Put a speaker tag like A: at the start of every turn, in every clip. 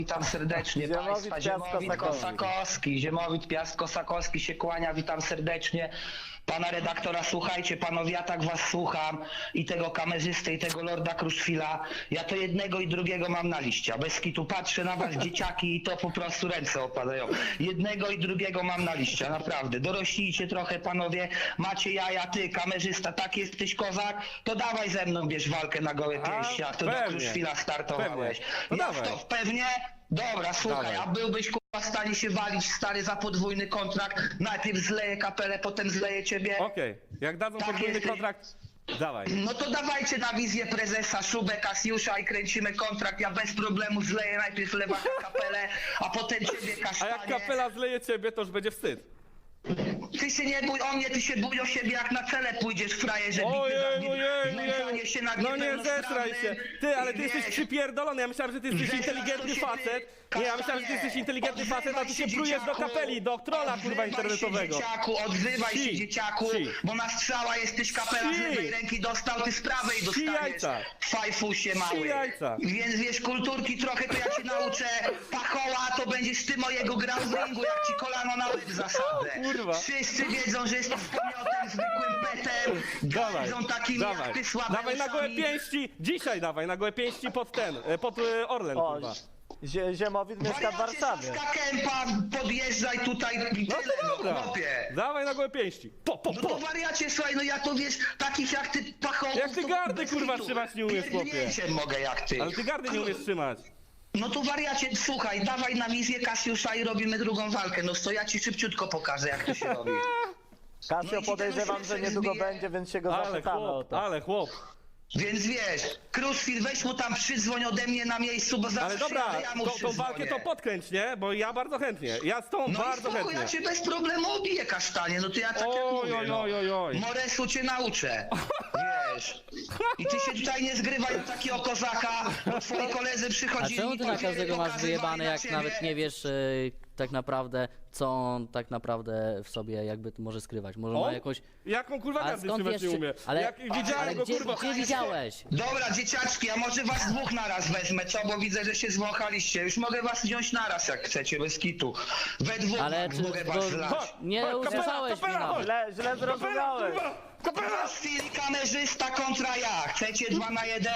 A: Witam serdecznie Państwa. Ziemowit Kosakowski. Ziemowit Piast Kosakowski się kłania, witam serdecznie. Pana redaktora, słuchajcie, panowie, ja tak was słucham i tego kamerzysty, i tego Lorda Kruszwila. Ja to jednego i drugiego mam na liście. Bez kitu patrzę na was, dzieciaki, i to po prostu ręce opadają. Jednego i drugiego mam na liście, naprawdę. Doroślijcie trochę, panowie, macie jaja, ty, kamerzysta, tak jesteś kozak, to dawaj ze mną, bierz walkę na gołe pięści, a to do Kruszwila startowałeś.
B: No
A: Ja
B: dawaj.
A: to pewnie? Dobra, słuchaj,
B: Dawaj.
A: a byłbyś w stanie się walić, stary, za podwójny kontrakt, najpierw zleję kapelę, potem zleję ciebie.
B: Okej, jak dadzą
A: Tak
B: podwójny
A: jesteś.
B: kontrakt, dawaj.
A: No to dawajcie na wizję prezesa, Szubę, Kasiusza i kręcimy kontrakt, ja bez problemu zleję najpierw lewaka kapelę, a potem ciebie
B: A
A: kasztanie.
B: jak kapela zleje ciebie, to już będzie wstyd.
A: Ty się nie bój o mnie, ty się bój o siebie, jak na cele pójdziesz, frajerze, znęcanie się nad
B: no nie
A: niepełnosprawnym.
B: zesraj się. Ty, ale ty
A: Wiesz,
B: jesteś przypierdolony, ja myślałem, że ty jesteś
A: Zesraj
B: inteligentny
A: to się,
B: facet.
A: ty,
B: Nie, ja myślałem, że ty jesteś inteligentny
A: odzywaj
B: facet, a ty się
A: się,
B: plujesz do
A: dzieciaku.
B: kapeli, do trolla kurwa internetowego.
A: Odzywaj się, dzieciaku,
B: Si.
A: bo na strzała jesteś, kapela z
B: Si.
A: lewej ręki dostał, ty z prawej
B: Si
A: dostaniesz.
B: jajca.
A: Fajfusie mały.
B: Si jajca.
A: Więc wiesz, kulturki trochę to ja cię nauczę. Pachoła, to będziesz ty mojego grał w ringu, jak ci kolano na łeb zasadzę.
B: Kurwa.
A: Wszyscy wiedzą, że jesteś pomiotem, zwykłym petem.
B: Dawaj,
A: Gardzą takimi
B: dawaj,
A: jak ty słabe
B: dawaj na gołe
A: uszami.
B: pięści, dzisiaj dawaj na gołe pięści pod ten, pod Orlen
C: O,
B: kurwa.
C: Ziemowit mieszka w
A: Wariacie,
C: Warszawie.
A: Saska Kępa, podjeżdżaj tutaj i
B: No
A: tyle,
B: to dobra,
A: chłopie.
B: dawaj na gołe pięści,
A: No to wariacie, słuchaj, no ja to wiesz, takich jak ty pachołków...
B: Jak ty
A: to
B: gardy,
A: bez
B: kurwa,
A: kitu.
B: trzymać nie umiesz, chłopie.
A: Pierdnięciem mogę jak ty.
B: Ale ty gardy nie umiesz trzymać.
A: No to wariacie, słuchaj, dawaj na wizję Kasiusza i robimy drugą walkę. No to ja ci szybciutko pokażę, jak to się robi. No
C: Kasio,
A: i ci
C: podejrzewam,
A: ten
C: że
A: uśmiech
C: niedługo
A: zbije.
C: będzie, więc się go
B: Ale
C: zapytamy o
B: chłop,
C: to.
B: ale chłop.
A: Więc wiesz, Kruszwil, weź mu tam przydzwoń ode mnie na miejscu, bo zawsze
B: Ale dobra,
A: ja mu
B: tą
A: przydzwonię.
B: walkę to podkręć, nie? Bo ja bardzo chętnie. Ja z tą
A: No
B: bardzo
A: i spoko,
B: chętnie.
A: ja cię bez problemu obiję, kasztanie, no to ja tak jak mówię,
B: Oj.
A: Moresu cię nauczę, wiesz. I ty się tutaj nie zgrywaj do takiego kozaka, bo twoi koledzy
D: A
A: przychodzili
D: czemu ty
A: i
D: na
A: papiery
D: każdego masz
A: pokazywali
D: wyjebane,
A: na
D: jak
A: ciebie?
D: nawet nie wiesz tak naprawdę, co on tak naprawdę w sobie jakby może skrywać? Może ma
B: On?
D: jakąś...
B: Jaką kurwa
D: Ale
B: gardy
D: skąd
B: trzymać
D: wiesz,
B: nie umie?
D: ale-
B: Jak widziałem
D: Ale
B: go
D: gdzie,
B: kurwa.
D: gdzie widziałeś?
A: Dobra, dzieciaczki, a może was dwóch naraz wezmę, co? Bo widzę, że się zwąchaliście. Już mogę was wziąć naraz, jak chcecie, bez kitu. We dwóch
D: Ale
A: Max,
D: czy
A: mogę
D: to-
A: was zlać.
D: Nie
B: Kapela,
D: usłyszałeś mnie
B: kapela,
D: nawet.
C: Źle zrozumiałeś.
B: Kapela!
A: W chwili kamerzysta kontra ja. Chcecie 2 na 1?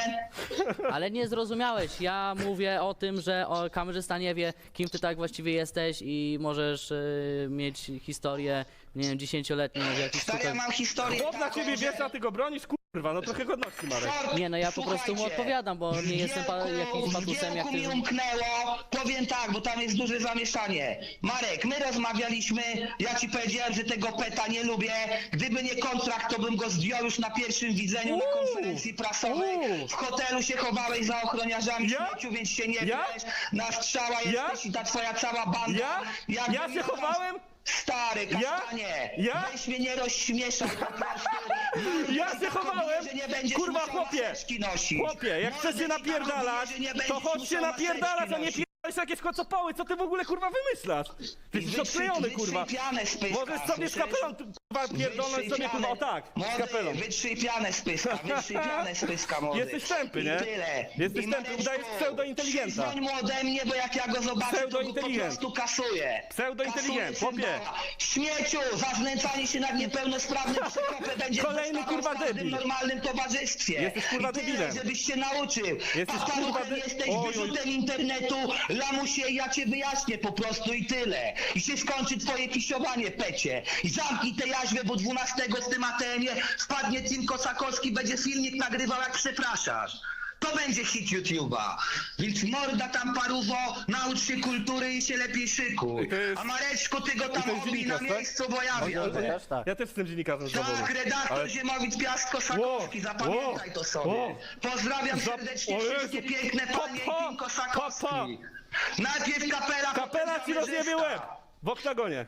D: Ale nie zrozumiałeś. Ja mówię o tym, że kamerzysta nie wie, kim ty tak właściwie jesteś i możesz mieć historię, nie wiem, 10-letnią w jakichś
A: Stary, ja
D: tutaj...
A: mam historię
B: Chłop na
A: taką,
B: ciebie
A: że-
B: wiesz, a ty go bronisz, kurwa, no trochę godności Marek.
D: Nie, no ja po prostu mu
A: Słuchajcie,
D: odpowiadam, bo nie jestem jakimś patusem jak
A: w
D: ty.
A: mi umknęło, powiem tak, bo tam jest duże zamieszanie. Marek, my rozmawialiśmy, ja ci powiedziałem, że tego peta nie lubię. Gdyby nie kontrakt, to bym go zdjął już na pierwszym widzeniu na konferencji prasowej. W hotelu się chowałeś za ochroniarzami
B: Ja?
A: śmieciu, więc się nie
B: Ja?
A: wiesz. Na strzała
B: Ja?
A: jesteś i ta twoja cała banda.
B: Ja?
A: Jakbym
B: Ja się
A: miał was-
B: chowałem?
A: Stary, kasztanie,
B: Ja?
A: weź mnie nie rozśmieszaj po prostu.
B: Ja się chowałem?
A: Że nie będziesz
B: Kurwa,
A: musiał
B: chłopie.
A: maseczki nosić.
B: Chłopie, jak
A: Mordy
B: chcesz się
A: ci tak
B: napierdalać,
A: robię, że nie
B: to
A: będziesz
B: chodź się
A: musiał
B: napierdalać, a nie
A: maseczki
B: pierdalać jakieś kocopoły, co ty w ogóle kurwa wymyślasz? Ty jesteś odklejony kurwa.
A: Wytrzyj pianę z pyska.
B: Możesz sobie z
A: słyszysz?
B: kapelą kurwa pierdolnąć
A: Wytrzyj
B: sobie kurwa, o
A: pianę.
B: tak, z
A: Młody,
B: kapelą.
A: Wytrzyj pianę z pyska, wytrzyj pianę z pyska, młody.
B: Jesteś tępy, nie?
A: I tyle.
B: Jesteś
A: I
B: tępy,
A: Mareczku,
B: udajesz pseudointeligenta.
A: Przyzwoń mu ode mnie, bo jak ja go zobaczę, to go po
B: Pseudointeligent.
A: prostu kasuję.
B: Pseudointeligent,
A: Kasuję
B: chłopie.
A: symbała. Śmieciu, za znęcanie się nad niepełnosprawnym przekopem będzie
B: Kolejny,
A: dostawał
B: kurwa,
A: w każdym
B: debil.
A: normalnym towarzystwie.
B: Jesteś, kurwa,
A: I tyle,
B: debilem.
A: żebyś się nauczył.
B: Jesteś,
A: Papaluchem
B: kurwa,
A: jesteś,
B: Oj, oj.
A: wyrzutem internetu, lamusie, ja cię wyjaśnię po prostu i tyle. I się skończy twoje pisiowanie, pecie. I zamknij tę jaźwę, bo 12 z tym ATM-ie wpadnie Tim Kosakowski, będzie filmik nagrywał, jak przepraszasz. To będzie hit YouTube'a. Więc morda tam paruwo, naucz się kultury i się lepiej szykuj.
B: To jest-
A: A Mareczku, ty go tam
B: to jest
A: obij na
B: dziennikarz, tak?
A: miejscu, bo ja wiem.
C: Też tak.
B: Ja też jestem dziennikarzem zawodowym.
A: Tak, redaktor
B: Ale-
A: Ziemowit Piast Kosakowski, zapamiętaj to sobie. Pozdrawiam serdecznie
B: O Jezu.
A: wszystkie piękne panie i Tim Kosakowski.
B: Papa.
A: Najpierw kapela,
B: Kapela ci
A: potem
B: rozjebie
A: kamerzysta.
B: łeb! W oktagonie.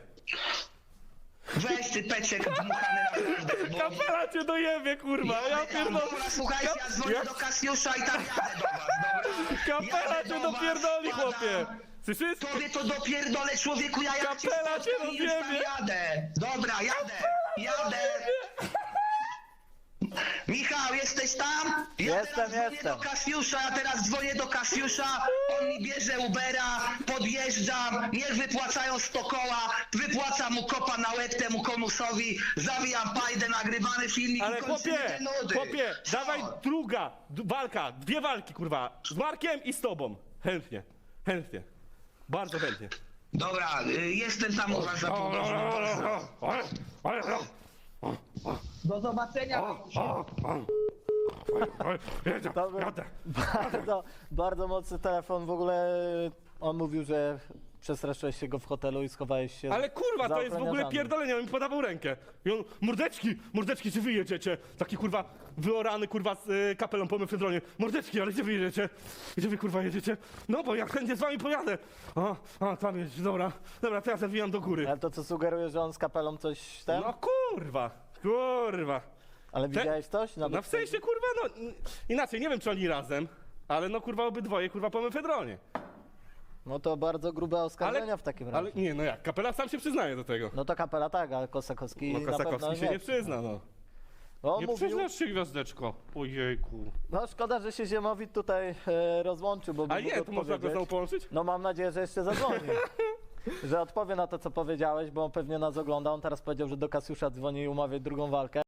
A: Weź ty peciek dmuchany naprawdę, bo...
B: Kapela cię dojebie, kurwa, ja pierdolę.
A: Dobra, słuchajcie, ja dzwonię
B: Ja-
A: do Kasiusza i tam jadę do was, dobra?
B: Kapela
A: Jadę
B: cię
A: do was,
B: dopierdoli,
A: wpadam.
B: chłopie! Słyszysz?
A: Tobie to dopierdolę, człowieku, ja jak cię
B: Kapela cię
A: spotkam i już tam
B: rozjebie.
A: jadę. Dobra, jadę. Michał, jesteś tam?
C: Jestem.
A: Ja teraz dzwonię do Kasiusza, on mi bierze Ubera, podjeżdżam, niech wypłacają 100 koła, wypłacam mu kopa na łeb temu komusowi, zawijam pajdę, nagrywany filmik
B: Ale
A: i kończymy te nudy.
B: chłopie,
A: Co?
B: dawaj druga walka, 2 walki, kurwa, z Markiem i z tobą. Chętnie. Bardzo chętnie.
A: Dobra, jestem tam u was za pół godziny. Do zobaczenia.
C: To był bardzo mocny telefon. W ogóle on mówił, że przestraszyłeś się go w hotelu i schowałeś się.
B: Ale kurwa,
C: za
B: to jest w ogóle
C: ochroniarzami.
B: pierdolenie, on mi podawał rękę. I on, mordeczki, czy wy jedziecie? Taki kurwa, wyorany kurwa z kapelą po mefedronie. Mordeczki, ale gdzie wy jedziecie? Gdzie wy kurwa jedziecie? No bo ja chętnie z wami pojadę. A tam jest, dobra, to ja zawijam do góry.
C: Ale to co sugeruje, że on z kapelą coś tam?
B: No kurwa.
C: Ale widziałeś coś?
B: No w sensie kurwa, no inaczej, nie wiem czy oni razem, ale no kurwa obydwoje kurwa po mefedronie.
C: No to bardzo grube oskarżenia w takim razie.
B: Ale nie, no jak, kapela sam się przyznaje do tego.
C: No to kapela tak, ale Kosakowski
B: No
C: na pewno
B: Kosakowski się nie przyzna, no.
C: On
B: Nie
C: mówił,
B: przyznasz się, gwiazdeczko. Ojejku.
C: no szkoda, że się Ziemowit tutaj rozłączył, bo
B: A
C: by
B: nie,
C: mógł
B: to można go
C: odpowiedzieć.
B: znowu połączyć?
C: No mam nadzieję, że jeszcze zadzwoni. Że odpowie na to, co powiedziałeś, bo on pewnie nas ogląda. On teraz powiedział, że do Kasiusza dzwoni i umawia drugą walkę.